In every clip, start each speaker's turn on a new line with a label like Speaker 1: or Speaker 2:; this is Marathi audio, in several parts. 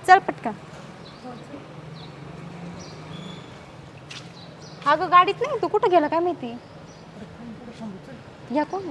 Speaker 1: चल पटकन. अगं गाडीत नाही, तू कुठं गेला काय माहिती. या कोण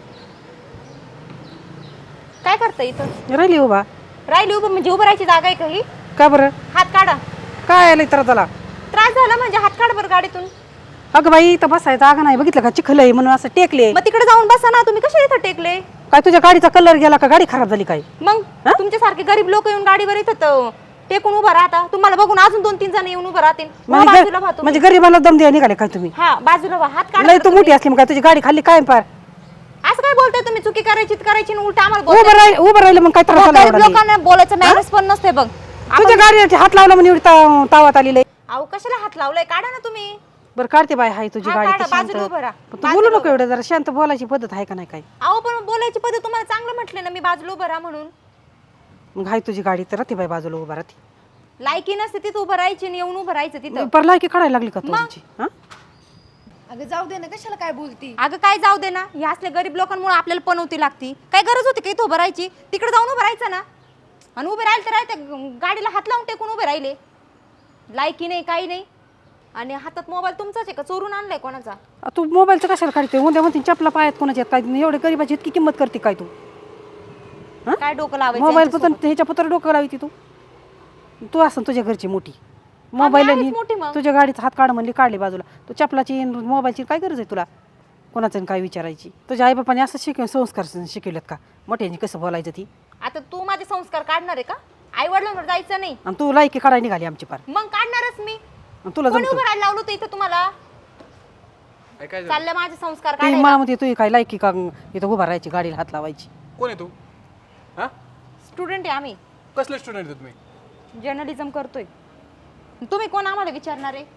Speaker 1: काय करता इथं.
Speaker 2: राहिली उभा.
Speaker 1: राहिली उभं म्हणजे उभं राहायची जागा आहे काही.
Speaker 2: का बरं.
Speaker 1: हात काढा.
Speaker 2: काय आलं तर त्याला
Speaker 1: त्रास झाला म्हणजे हात काढ बरं गाडीतून.
Speaker 2: अगं बाई इथं बसायचं जागा नाही, बघितलं का चिखल आहे म्हणून असं टेकले.
Speaker 1: मग तिकडे जाऊन बसा ना, तुम्ही कशा इथं टेकले.
Speaker 2: काय तुझ्या गाडीचा कलर गेला का, गाडी खराब झाली काय.
Speaker 1: मग तुमच्यासारखे गरीब लोक येऊन गाडीवर येतात टेकून उभा राहता. तुम्हाला बघून अजून 2-3 जण येऊन उभं राहतील. बाजूला व्हा तुम्ही.
Speaker 2: म्हणजे गरीबाला दम द्या निघाले काय तुम्ही.
Speaker 1: हा बाजूला व्हा. हात काढा.
Speaker 2: लय तू मोठी असली मग काय तुझी गाडी खाल्ली काय पार.
Speaker 1: असं काय बोलताय तुम्ही. चुकी करायची करायची उलट आम्हाला
Speaker 2: उभं राहिलं मग काय त्रास झाला एवढा.
Speaker 1: लोकांना बोलायचं मॅनर्स पण नसते बघ.
Speaker 2: तुझ्या गाडीला हात लावला म्हणजे एवढी तावात आलेली.
Speaker 1: अहो कशाला हात लावलाय. काढा ना तुम्ही.
Speaker 2: बरं काढते बाय हाय तुझी गाडी तर शांत.
Speaker 1: बाजूला उभं राहा.
Speaker 2: पण तू बोलू नको एवढं, जरा शांत बोलायची पद्धत आहे का नाही काय.
Speaker 1: अहो पण बोलायची पद्धत तुम्हाला चांगलं म्हटले ना मी, बाजूला उभं राहा म्हणून.
Speaker 2: मग हाय तुझी गाडी तर राहते बाय बाजूला उभा राहते.
Speaker 1: लायकी नसते तिथं उभं राहायची आणि येऊन उभं राहायचं तिथं.
Speaker 2: पर लायकी काढायला लागली का तुझी.
Speaker 3: अगं जाऊ दे ना, कशाला काय बोलती.
Speaker 1: अगं काय जाऊ दे ना, ह्या असल्या गरीब लोकांमुळे आपल्याला पनवती लागती. काय गरज होती का इथं उभं राहायची. तिकडे जाऊन उभं राहायचं ना. आणि उभे राहिले तर राहते, गाडीला हात लावून टेकून उभे राहिले. लायकी नाही काही नाही. आणि हातात मोबाईल तुमचाच आहे का, चोरून आणलाय कोणाचा.
Speaker 2: तू मोबाईलचं कशाला काढते. उद्या म्हणते चपला पायात कोणाच्या काय एवढे गरीबाची इतकी किंमत करते काय तू.
Speaker 1: काय डोकं लावायचं.
Speaker 2: मोबाईल पुतर ह्याच्या पुतर डोकं लावती तू. तू असं तुझ्या घरची मोठी मोबाईल तुझ्या गाडीचा हात काढ म्हणली काढली बाजूला. तू चपलाची मोबाईलची काय गरज आहे तुला कोणाचं काय विचारायची. तुझ्या आई बापाने असं संस्कार शिकवलेत का मोठ्यांनी कसं बोलायचं ती.
Speaker 1: आता तू माझे संस्कार काढणार आहे का. आई वडिलांवर जायचं नाही.
Speaker 2: आणि तू लायकी काढायला निघाली आमची पार.
Speaker 1: मग काढणारच मी.
Speaker 2: तुला
Speaker 1: कोणी उभं राहायला लावलं होतं इथं तुम्हाला. चाललं माझे संस्कार काढायला.
Speaker 2: मला म्हणते तू काय लायकी का इथं उभा राहायची गाडीला हात लावायची.
Speaker 4: कोण आहे तू. हा
Speaker 1: स्टुडंट आहे आम्ही.
Speaker 4: कसले स्टुडंट आहे तुम्ही.
Speaker 1: जर्नलिझम करतोय. तुम्ही कोण आम्हाला विचारणार आहे.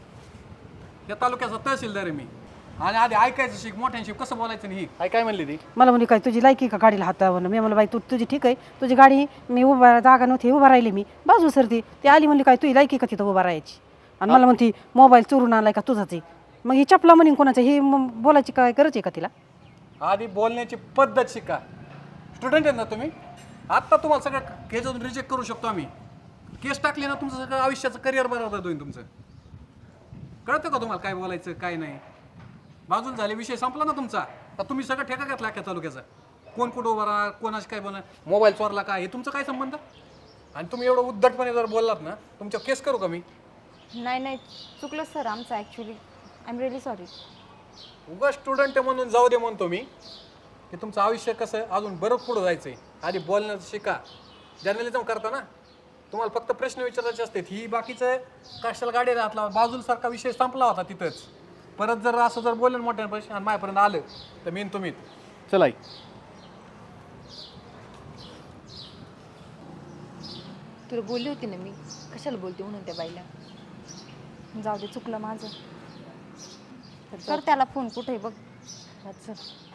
Speaker 4: या तालुक्याचा तहसीलदार आहे मी. आणि आधी ऐकायचं शिक मोठ्यांशी कसं बोलायचं नाही. ही काय म्हणली ती.
Speaker 2: मला म्हणजे काय तुझी लायकी का गाडीला हात लावणं. मी म्हणलं बाई तू तुझी ठीक आहे तुझी गाडी मी उभा जागा नव्हती उभा राहिली मी बाजू सरती ती आली म्हणली काय तुझी लायकी का तिथं उभा राहायची. आणि मला म्हणती मोबाईल चोरून आणलाय का तुझाच आहे. मग ही चपला म्हणून कोणाचं हे बोलायची काय गरज आहे का तिला.
Speaker 4: आधी बोलण्याची पद्धत शिका. स्टुडंट आहेत ना तुम्ही. आत्ता तुम्हाला सगळं केस रिजेक्ट करू शकतो आम्ही. केस टाकली ना तुमचं सगळं आयुष्याचं करिअर बरोबर होईल तुमचं. कळतं का तुम्हाला काय बोलायचं काय नाही. बाजूला झाले विषय संपला ना तुमचा. तर तुम्ही सगळं ठेका घेतला अख्ख्या तालुक्याचा. कोण कुठं उभा राहा कोणाशी काय बोला मोबाईल चोरला काय हे तुमचं काय संबंध. आणि तुम्ही एवढं उद्धटपणे जर बोललात ना तुमच्या केस करू का मी.
Speaker 1: नाही चुकलं सर आमचं actually. I am really sorry.
Speaker 4: उगा स्टुडंट म्हणून जाऊ दे म्हणतो मी की तुमचं आयुष्य कसं अजून बरं पुढं जायचं आहे. आधी बोलण्याचं शिका. जर्नलिझम करता ना तुम्हाला फक्त प्रश्न विचारायचे असतात. ही बाकीचं कशाला गाडी राहतला बाजूला सारखा विषय संपला होता तिथंच. परत जर असं जर बोललं मोठ्या पैसे आणि माझ्यापर्यंत आलं तर मी तुम्ही चला.
Speaker 3: तुला बोलली होती ना मी कशाला बोलते म्हणून त्या बाईला.
Speaker 1: जाऊ दे चुकलं माझं. कर त्याला फोन कुठे बघ.
Speaker 3: अच्छा